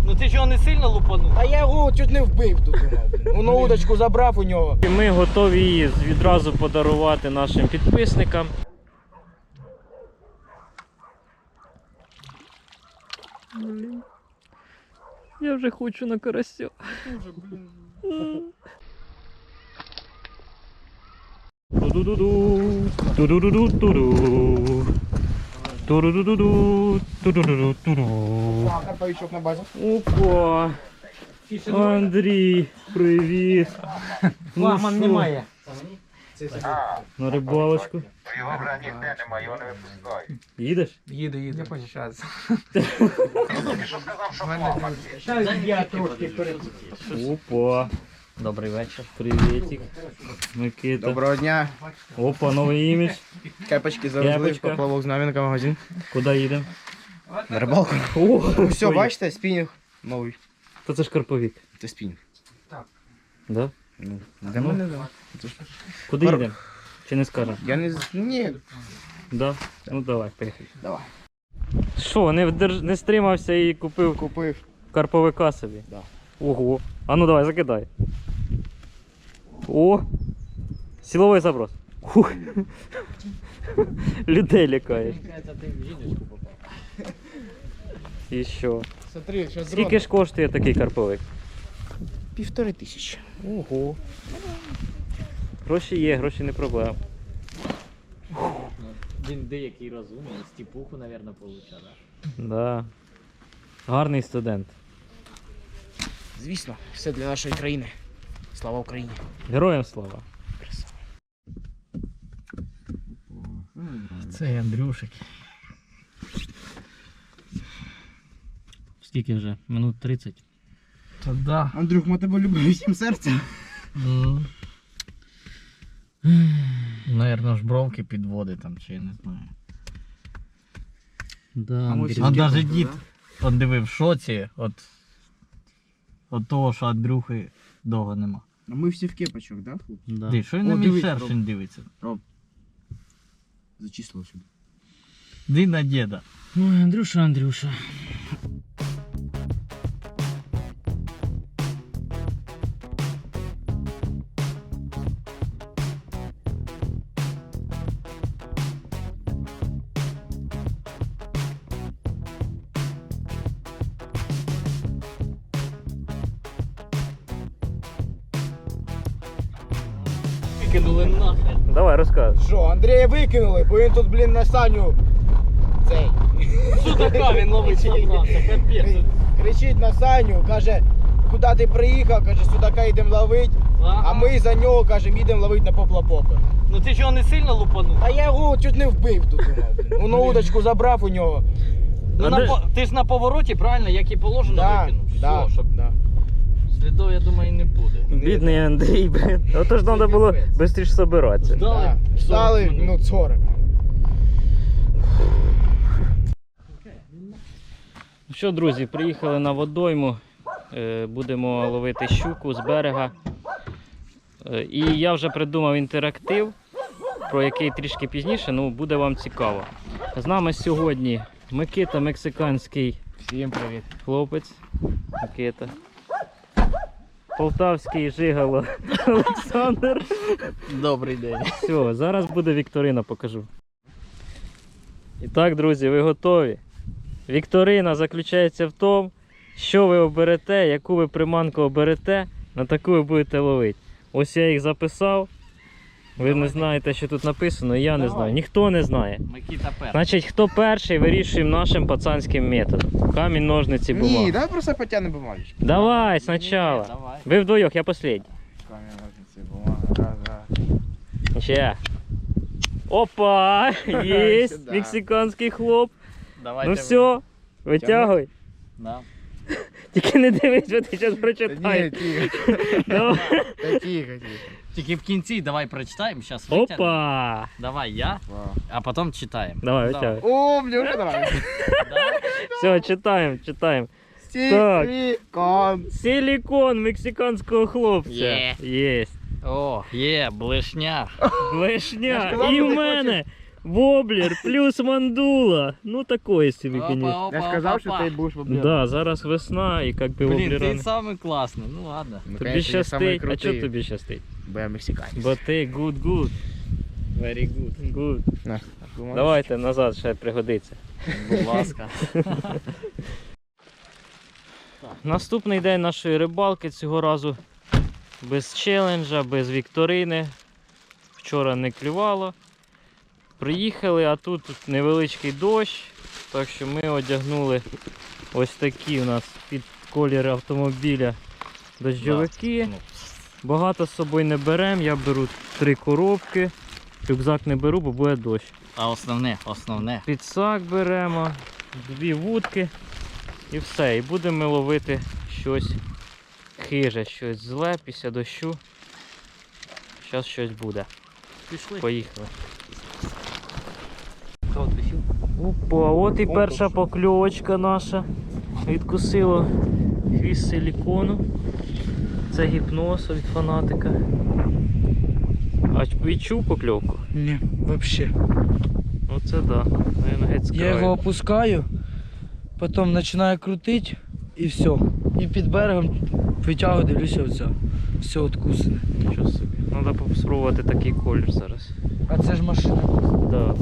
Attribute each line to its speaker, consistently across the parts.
Speaker 1: Ну ти ж його не сильно лупанув?
Speaker 2: А я його чуть не вбив тут, думав. Ну, удочку забрав у нього.
Speaker 3: Ми готові її відразу подарувати нашим підписникам. Блін. Я вже хочу на карася. Ту-ду-ду-ду, ту-ду-ду-ду-ду-ду. Ту-ду-ду-ду-ду, ту-ду-ду-ду-ду.
Speaker 2: Карповичок на базі.
Speaker 3: Опа! Андрій, привіт!
Speaker 1: Флагман
Speaker 3: що,
Speaker 1: немає.
Speaker 3: на рибалочку.
Speaker 4: Його вже ніде немає, його не випускають.
Speaker 3: Їдеш?
Speaker 2: Їду. Я понял, зараз.
Speaker 4: Тільки що сказав, що флагман є.
Speaker 2: Зараз я трошки перед...
Speaker 3: Опа!
Speaker 1: Добрий вечір.
Speaker 3: Приветик. Микита.
Speaker 2: Доброго дня.
Speaker 3: Опа, новий імідж.
Speaker 2: Кепочки завезли,
Speaker 3: Кепочка.
Speaker 2: поплавок Знам'янка, магазин.
Speaker 3: Куди їдемо?
Speaker 2: На рибалку.
Speaker 3: О,
Speaker 2: Все, бачите, спінінг новий.
Speaker 3: Та це ж карповік.
Speaker 2: Це спінінг.
Speaker 3: Да?
Speaker 2: Ну, для мене, да.
Speaker 3: Куди
Speaker 2: Кар-
Speaker 3: їдемо? Чи не скажемо?
Speaker 2: Я не... Ні.
Speaker 3: Да? Ну давай, поїхали.
Speaker 2: Давай.
Speaker 3: Що, не стримався і купив
Speaker 2: Купив.
Speaker 3: карповика собі?
Speaker 2: Да.
Speaker 3: Ого. А ну давай, закидай. О! Силовий заброс. Ух. Людей лякаєш. І що?
Speaker 2: Смотри, зараз
Speaker 3: Скільки ж коштує такий карповик?
Speaker 2: 1500.
Speaker 3: Ого. Гроші є, гроші не проблема.
Speaker 1: Він деякий розумний, стіпуху, мабуть, получав.
Speaker 3: Да. Гарний студент.
Speaker 2: Звісно, все для нашої країни. Слава Україні.
Speaker 3: Героям слава.
Speaker 1: Це Андрюшик.
Speaker 3: Скільки вже? Минут 30.
Speaker 1: Та да.
Speaker 2: Андрюх, ми тебе любимо всім серцем.
Speaker 1: Наверно, ж бровки підводить там, чи я не знаю.
Speaker 3: Да,
Speaker 2: ми всі
Speaker 1: А
Speaker 2: в
Speaker 1: навіть
Speaker 2: кепках,
Speaker 1: дід,
Speaker 2: да?
Speaker 1: от диви в шоці, от того, що Андрюхи довго нема.
Speaker 2: А ми всі в кепочок, да, хлопці?
Speaker 3: Да.
Speaker 1: Ди, що він
Speaker 2: О,
Speaker 1: на мій
Speaker 2: дивись,
Speaker 1: шершень дивиться?
Speaker 2: Зачислив сюди.
Speaker 1: Ди на діда.
Speaker 3: Ой, Андрюша, Андрюша.
Speaker 1: Кинули нахрен.
Speaker 3: Давай, розказуй.
Speaker 2: Що, Андрія викинули, бо він тут, блін, на Саню цей.
Speaker 1: Судака він ловить від нас, це капець.
Speaker 2: Кричить на Саню, каже, куди ти приїхав, каже, судака йдемо ловити, а ми за нього, кажемо, їдемо ловити на попла-попи.
Speaker 1: Ну ти ж його не сильно лупанув?
Speaker 2: А я його чуть не вбив тут, думав, блін. Ну, удочку забрав у нього.
Speaker 1: Ну,
Speaker 3: А де ж-
Speaker 1: ти ж на повороті, правильно, як і положено,
Speaker 2: Да,
Speaker 1: викинув. Все,
Speaker 2: да,
Speaker 1: щоб
Speaker 2: да.
Speaker 1: слідов, я думаю, не буде.
Speaker 3: Бідний Андрій, блин. Отож треба було швидше збиратися.
Speaker 1: Ждали?
Speaker 2: Да.
Speaker 1: 40
Speaker 2: Стали
Speaker 1: минут.
Speaker 2: минут 40.
Speaker 3: Ну що, друзі, приїхали на водойму. Будемо ловити щуку з берега. І я вже придумав інтерактив, про який трішки пізніше, ну буде вам цікаво. З нами сьогодні Микита, мексиканський
Speaker 2: Всім привіт.
Speaker 3: хлопець. Микита. Полтавський жигало Олександр.
Speaker 1: Добрий день.
Speaker 3: Все, зараз буде вікторина, покажу. І так, друзі, ви готові? Вікторина заключається в тому, що ви оберете, яку ви приманку оберете, на таку ви будете ловити. Ось я їх записав. Ви не знаєте, що тут написано, і я не знаю. Ніхто не знає.
Speaker 1: Микита Пер.
Speaker 3: Значить, хто перший, вирішуємо нашим пацанським методом. Камінь, ножниці,
Speaker 2: Ні,
Speaker 3: бумага.
Speaker 2: давай просто потягнемо бумажечку.
Speaker 3: Давай, спочатку.
Speaker 1: Давай.
Speaker 3: Ви вдвох, я последній.
Speaker 2: Камінь, ножниці, бумага, раз.
Speaker 3: Ще. Опа! Єсть!
Speaker 2: Сюда.
Speaker 3: Мексиканський хлоп.
Speaker 1: Давайте
Speaker 3: Ну все, витягуй.
Speaker 1: Да.
Speaker 3: Тільки не дивись, бо ти зараз
Speaker 2: Ні,
Speaker 3: прочитаєш.
Speaker 2: тихо.
Speaker 3: Давай.
Speaker 2: Та тихо, тихо.
Speaker 1: Тільки в кінці давай прочитаємо, зараз
Speaker 3: Опа!
Speaker 1: Давай я, а потім читаємо.
Speaker 3: Давай, витягуй.
Speaker 2: О, мені вже нравится.
Speaker 3: Все, читаємо. Так.
Speaker 2: Силикон.
Speaker 3: Силікон мексиканського хлопця.
Speaker 1: Є.
Speaker 3: Єсть.
Speaker 1: О, є, блешня.
Speaker 2: Я
Speaker 3: Блешня.
Speaker 2: ж казав,
Speaker 3: І
Speaker 2: що
Speaker 3: в
Speaker 2: ти
Speaker 3: мене. Воблер плюс мандула. Ну такое собі, конечно.
Speaker 2: Я сказав, що ти будеш воблером.
Speaker 3: Да, зараз весна і як би
Speaker 1: Блін,
Speaker 3: воблера.
Speaker 1: ти самий класний, ну ладно.
Speaker 2: Ну,
Speaker 3: Тобі
Speaker 2: конечно, я самий
Speaker 3: щастить. А
Speaker 2: крутий,
Speaker 3: чого тобі щастить?
Speaker 2: Бо я мексиканець.
Speaker 3: Бо ти good.
Speaker 1: Very good.
Speaker 3: Good.
Speaker 2: На,
Speaker 3: Давайте назад, ще пригодиться.
Speaker 1: Будь ласка.
Speaker 3: Наступний день нашої рибалки цього разу без челенджа, без вікторини. Вчора не клювало. Приїхали, а тут невеличкий дощ, так що ми одягнули ось такі у нас під колір автомобіля дощовики. Багато з собою не беремо, я беру 3 коробки, рюкзак не беру, бо буде дощ.
Speaker 1: А основне.
Speaker 3: Підсак беремо, 2 вудки і все. І будемо ловити щось хиже, щось зле після дощу. Зараз щось буде.
Speaker 1: Пішли.
Speaker 3: Поїхали. Опа, от і перша покльовочка наша. Відкусило хвіст силікону. Це гіпноз від фанатика. А відчув покльовку?
Speaker 5: Не, вообще.
Speaker 3: Оце да. Наверно, геть з
Speaker 5: Я
Speaker 3: краю.
Speaker 5: его опускаю, потом начинаю крутить и все. И під берегом витягую, дивлюся, все откусане.
Speaker 3: Нічого собі. Треба спробувати такий колір зараз.
Speaker 5: А це ж машина.
Speaker 3: Да.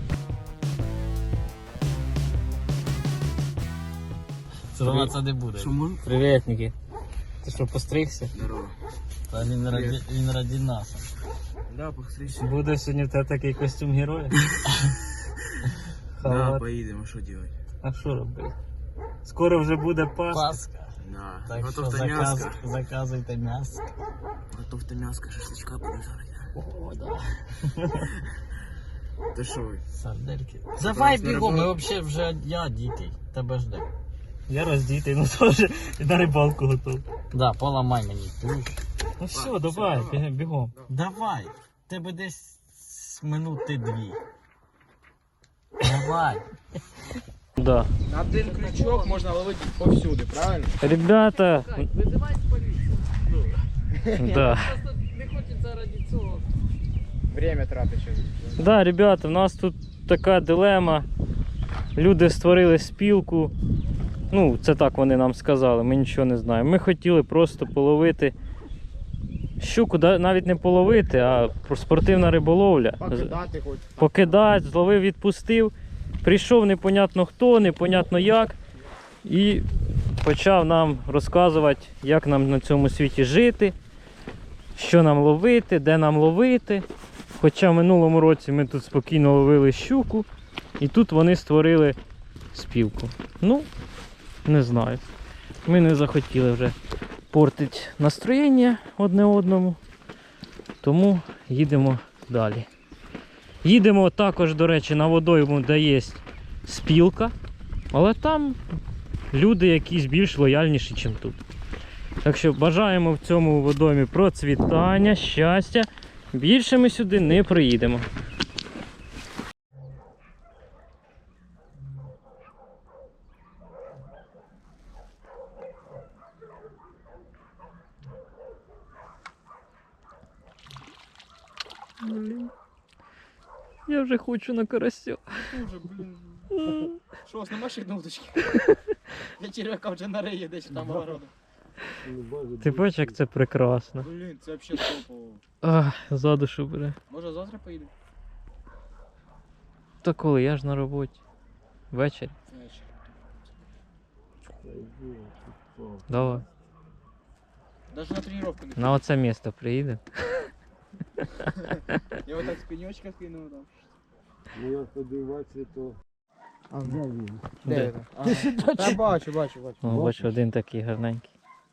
Speaker 1: Все одно це не буде.
Speaker 3: Привіт, Ніки. Ти що, постригся?
Speaker 2: Здорово.
Speaker 1: Та він раді нас.
Speaker 2: Да, пострійся.
Speaker 3: Буде сьогодні в тебе такий костюм героя?
Speaker 2: Да,
Speaker 3: Халат.
Speaker 2: поїдемо, що робити?
Speaker 3: А що робити? Скоро вже буде Пасха.
Speaker 1: Паска.
Speaker 2: Да.
Speaker 1: Так що
Speaker 2: Готовте м'яско.
Speaker 1: заказуйте м'ясо.
Speaker 2: Готовте м'яско, шашличка будемо жарити.
Speaker 1: О, да.
Speaker 2: Ти що ви?
Speaker 1: Сардельки. Давай бігом, ми взагалі вже я дітей. Тебе жде.
Speaker 3: Я роздітий, ну теж і на рибалку готов.
Speaker 1: Да, поламай мені ключ.
Speaker 3: Ну все, давай, бігом.
Speaker 1: Давай. Тебе десь минути 2. Давай.
Speaker 3: Да.
Speaker 2: На один крючок можна ловити повсюди, правильно?
Speaker 3: Ребята. Да.
Speaker 2: Время тратить ще.
Speaker 3: Да, ребята, в нас тут така дилема. Люди створили спілку. Ну, це так вони нам сказали, ми нічого не знаємо. Ми хотіли просто половити щуку, навіть не половити, а спортивна риболовля.
Speaker 2: Покидати хоч.
Speaker 3: Покидати, зловив, відпустив. Прийшов непонятно хто, непонятно як. І почав нам розказувати, як нам на цьому світі жити, що нам ловити, де нам ловити. Хоча в минулому році ми тут спокійно ловили щуку, і тут вони створили спілку. Ну, не знаю. Ми не захотіли вже портити настроєння одне одному, тому їдемо далі. Їдемо також, до речі, на водойму, де є спілка, але там люди якісь більш лояльніші, ніж тут. Так що бажаємо в цьому водоймі процвітання, щастя. Більше ми сюди не приїдемо. Я вже хочу на карася.
Speaker 2: Що, у вас нема ще удочки? Я черв'яка вже на реї десь там огороду.
Speaker 3: Ти бачиш, як це прекрасно.
Speaker 2: Блін, це взагалі топово.
Speaker 3: Ах, за душу бере.
Speaker 2: Може завтра поїдемо?
Speaker 3: Та коли? Я ж на роботі. Ввечері.
Speaker 2: Вечір.
Speaker 3: Давай.
Speaker 2: Даже на тренування не.
Speaker 3: На оце місто приїде.
Speaker 2: Я отак з пеньочка кинув там.
Speaker 6: Ну як подиватися, то
Speaker 2: А де він?
Speaker 3: Де?
Speaker 2: Та бачу.
Speaker 3: О, бачу, один такий гарненький.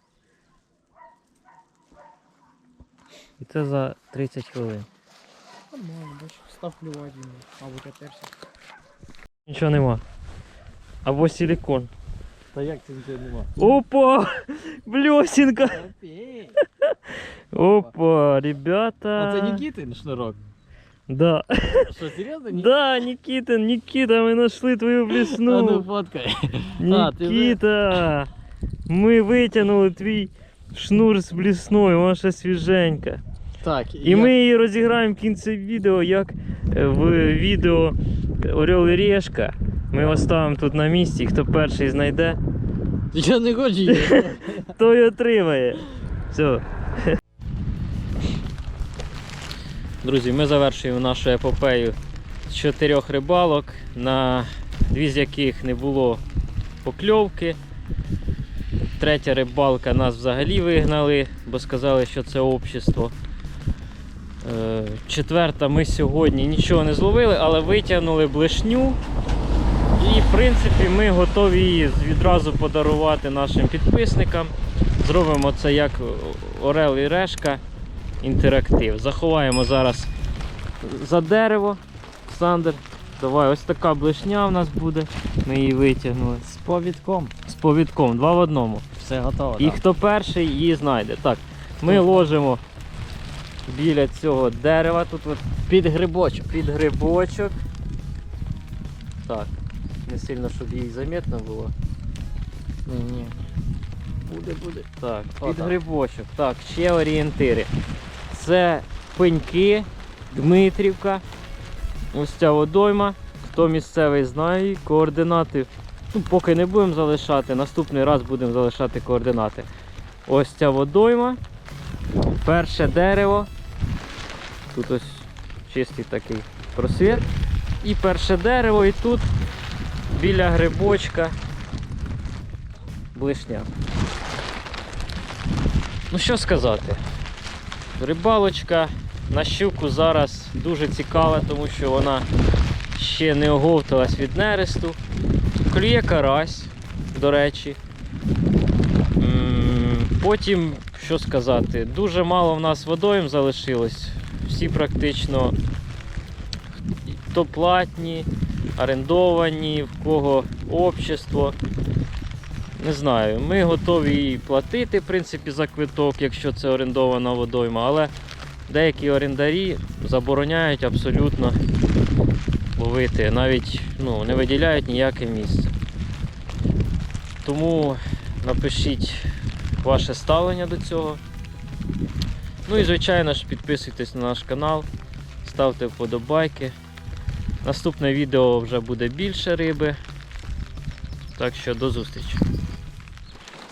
Speaker 3: І це за 30 хвилин.
Speaker 2: Нормально, бачу, став плювати він, мабуть, отерся.
Speaker 3: Нічого нема. Або силикон.
Speaker 6: та як це нічого нема?
Speaker 3: Опа! Бльосінка! Опа, ребята!
Speaker 1: Оце Нікітин шнурок.
Speaker 3: Да.
Speaker 1: Що, серйозно?
Speaker 3: Да, Никита, мы нашли твою
Speaker 1: А ну
Speaker 3: блесну.
Speaker 1: фоткай. А, ти
Speaker 3: Никита, ми витягнули твій шнур з блісною, вона ще свіженька.
Speaker 1: Так,
Speaker 3: І ми її розіграємо в кінці відео, як в відео Орел і Решка. Ми оставимо тут на місці, і хто перший знайде,
Speaker 1: Я не хочу її.
Speaker 3: той отримає. Все. Друзі, ми завершуємо нашу епопею з 4 рибалок, на 2 з яких не було покльовки. 3-я рибалка нас взагалі вигнали, бо сказали, що це общество. 4-та ми сьогодні нічого не зловили, але витягнули блешню. І в принципі ми готові її відразу подарувати нашим підписникам. Зробимо це як Орел і Решка інтерактив. Заховаємо зараз за дерево. Олександр, давай, ось така блешня в нас буде. Ми її витягнули.
Speaker 1: З повідком.
Speaker 3: З повідком, 2 в 1.
Speaker 1: Все готово.
Speaker 3: І
Speaker 1: так.
Speaker 3: хто перший її знайде. Так, ми ложимо біля цього дерева. Тут от
Speaker 1: Під грибочок.
Speaker 3: під грибочок. Так, не сильно, щоб їй замітно було.
Speaker 1: Ні. Буде.
Speaker 3: Так,
Speaker 1: О,
Speaker 3: під
Speaker 1: так.
Speaker 3: грибочок. Так, ще орієнтири. Це пеньки, Дмитрівка. Ось ця водойма. Хто місцевий знає, координати. Ну, поки не будемо залишати, наступний раз будемо залишати координати. Ось ця водойма. Перше дерево. Тут ось чистий такий просвіт. І перше дерево, і тут біля грибочка блишня. Ну що сказати, рибалочка на щуку зараз дуже цікава, тому що вона ще не оговталась від нересту. Клює карась, до речі. Потім, що сказати, дуже мало в нас водойм залишилось. Всі практично то платні, орендовані, в кого общество. Не знаю, ми готові і платити, в принципі, за квиток, якщо це орендована водойма, але деякі орендарі забороняють абсолютно ловити, навіть не виділяють ніяке місце. Тому напишіть ваше ставлення до цього. Ну і звичайно ж підписуйтесь на наш канал, ставте вподобайки. Наступне відео вже буде більше риби. Так що до зустрічі!